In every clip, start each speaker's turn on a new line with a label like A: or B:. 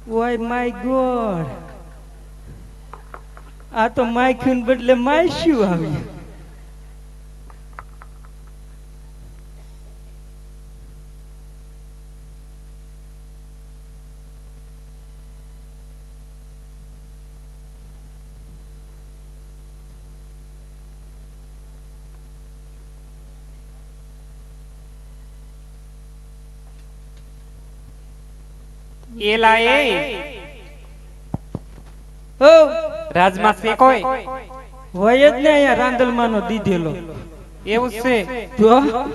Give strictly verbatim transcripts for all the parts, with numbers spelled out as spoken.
A: ઓય my God, આ તો માખ્યું બદલે માયશું આવ્યું.
B: એલા એ
A: ઓ
B: રાજમાં છે કોઈ
A: હોય જ ને અહીંયા રાંદલમાંનો દીધેલો.
B: એવું છે?
A: તો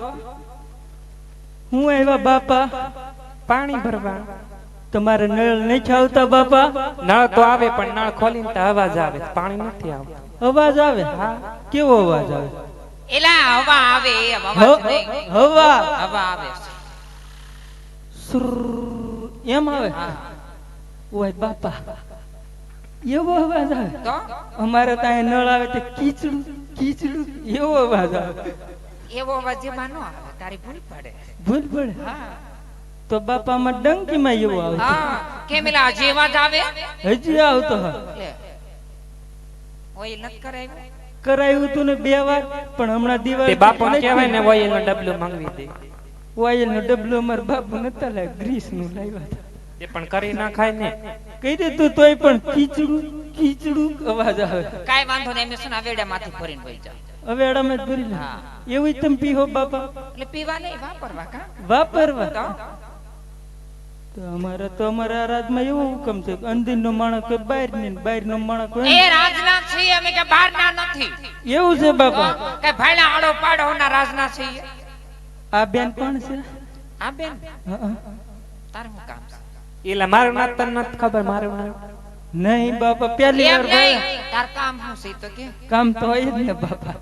A: હું આવ્યા બાપા
B: પાણી ભરવા.
A: તમારે નળ નહીં આવતા બાપા?
B: નળ તો આવે પણ નળ ખોલીને તો અવાજ આવે, પાણી નથી આવતું.
A: અવાજ આવે? હા. કેવો અવાજ આવે?
C: એલા હવા આવે, એ અવાજ નહીં.
A: હવા
C: હવા આવે.
A: સુર એમ આવે? ઓય બાપા એવો અવાજ આવે?
C: તો
A: અમારે ત્યાં નળ આવે તો કીચડું કીચડું એવો અવાજ આવે.
C: એવો અવાજ જેમાં ન આવે, તારી ભૂલ પડે.
A: ભૂલ પડે?
C: હા
A: તો બાપા માં ડંકીમાં એવો આવતો.
C: હા કેમ એલા હજી અવાજ આવે?
A: હજી આવતો. હા
C: લે ઓય નત કરાવ્યું?
A: કરાયું તું ને બે વાર, પણ હમણાં
B: તે
A: દિવાળી
B: બાપુ કહેવાય ને ઓઇલ નો ડબલું મંગવી દે.
A: ઓઇલ નો ડબલો અમારા બાપુ નતા લાવ્યા, ગ્રીસ નું લાવ્યા હતા.
B: એ પણ કરી નાખાય ને.
A: કહી દે તું તોય પણ કીચડું કીચડું અવાજ આવે.
C: કાઈ વાંધો નહીં, એમને શું વેડામાંથી ભરીને વઈ જાવ.
A: હવે અડામે જ ભરી લે.
C: હા.
A: એવું તમે પીહો બાપા?
C: એટલે પીવા નહીં, વાપરવા. કા
A: વાપરવા?
C: તો
A: તો અમારે તો અમારા રાજમાં એવો હુકમ છે કે અંદિર નો માણસ કોઈ બહાર ની, બહાર નો માણસ કોઈ.
C: એ રાજના છીએ અમે, કે બહાર ના નથી.
A: એવું છે બાપા?
C: કે ભાઈલા આડો પાડો ના રાજના છીએ.
A: આ બેન કોણ છે?
C: આ બેન
A: હા.
C: તાર શું કામ છે?
B: એલા મારું નામ તને નથી ખબર? મારું નામ
A: નહીં બાપા, પહેલી
C: એમ
A: વાર
C: નહીં,
A: ભાઈ.
C: તાર કામ શું છે તો કે
A: કામ તો હોય જ ને બાપા.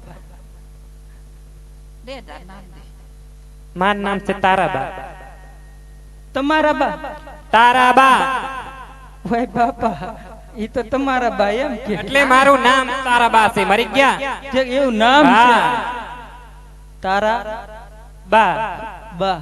C: દે તાર નામ દે.
B: મારું નામ છે તારાબા.
A: તમારા બા?
B: તારાબા
A: ભાઈ બાપા ઈ તો તમારા બા એમ કે?
B: એટલે મારું નામ તારાબા છે. મરી ગયા?
A: જે એવું નામ છે
B: હા.
A: તારા
B: બા.
A: બા.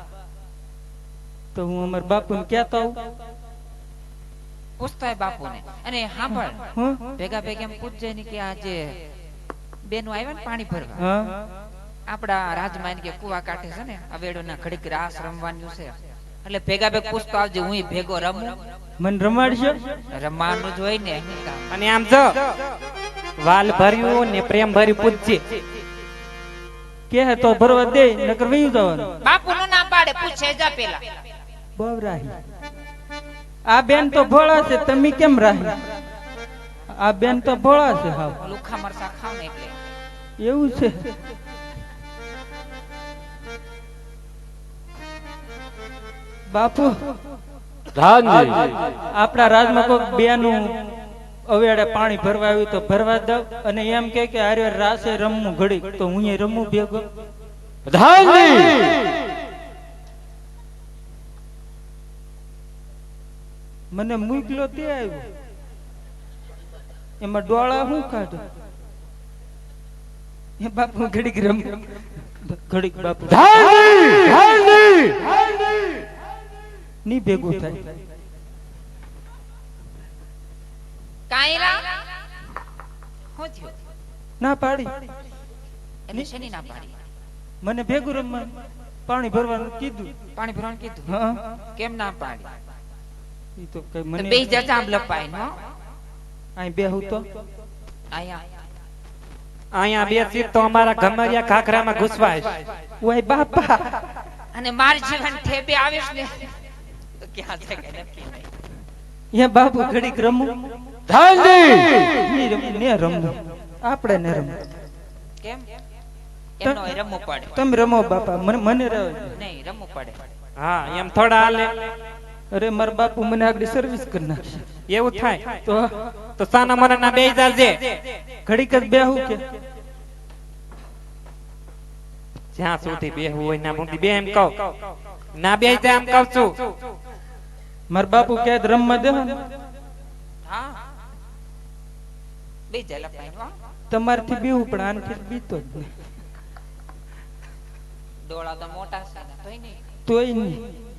A: તો હું અમાર બાપુને કહેતો આવું.
C: પૂછતા બાપુને. અને સાંભળ,
A: હું
C: ભેગા ભેગા એમ પૂછજે ને કે આ જે બેનો આવ્યા ને પાણી ભરવા
A: હા
C: આપડા રાજમાં કે કુવા કાંઠે છે ને અવેડો ના ઘડીક રાસ રમવાનું છે, એટલે ભેગા ભેગ પૂછતો આવજે, હું ભેગો રમું.
A: મને રમાડશો?
C: રમવાનું જ હોય ને.
B: અને આમ જો વાલ ભર્યું ને પ્રેમ ભર્યું પૂછજે.
A: કે તો ભરવા દે, નકર વયું જવાનું.
C: બાપુ નું ના પાડે, પૂછે જા પેલા.
A: બવરાહી. આ બેન તો ભોળા છે, તમે કેમ રાહી? આ બેન તો ભોળા છે. હાવ
C: લુખા મરસા ખાવ ને એટલે.
A: એવું છે? બાપુ આપણા રાજમાં કોઈ બેનું અવેડે પાણી ભરવા આવ્યું તો ભરવા દઉં, અને એમ કે કે આરે રાસે રમવું ઘડી, તો હું એ રમવું ભેગો. મને મૂકલો તે આવ્યો, એમાં ડોળા શું કાઢે? એ બાપુ ઘડીક રમ ઘડીક બાપુ ની ભેગું થાય.
C: કાયરા હું થયું?
A: ના પાડી.
C: એટલે શેની ના પાડી?
A: મને ભેગું રમવા પાણી ભરવાનું કીધું.
C: પાણી ભરવાનું કીધું?
A: હા.
C: કેમ ના પાડી?
A: ઈ તો કઈ
C: મને
A: મને
C: બે જતા આમ લપાઈ નો
A: અહીં બેહું તો
C: આયા
B: અહીંયા બેસી તો અમારા ગમરિયા ઘાઘરામાં ઘૂસવાય.
A: ઓય બાપા,
C: અને માર જીવન ઠેબે આવીશ ને તો ક્યાં છે કે નક્કી નહીં.
A: એ બાપુ ઘડીક રમું. ની રમ- ને રમવું આપણે ને રમવું.
C: કેમ? એમનો હોય રમવું પડે.
A: તમે રમો બાપા, મને મને રહે.
C: નહીં રમવું પડે.
B: હા એમ થોડા હાલે.
A: અરે મારા બાપુ મને આગળ સર્વિસ કરી નાખશે.
B: એવું થાય
A: તો
B: તો સાના મના ના બે જાજે.
A: ઘડીક જ બેહું કે
B: જ્યાં સુધી બેહવું હોય ના સુધી બે એમ કહું. ના બે જાય એમ કહું છું.
A: મારા બાપુ કે રમવા દે ને.
C: હા બે જાય લપાઈ નો
A: તમારથી બીવું પણ આનથી બીતો જ નહીં.
C: ડોળા તો મોટા છે ને તોય નહીં.
A: તોય નહીં.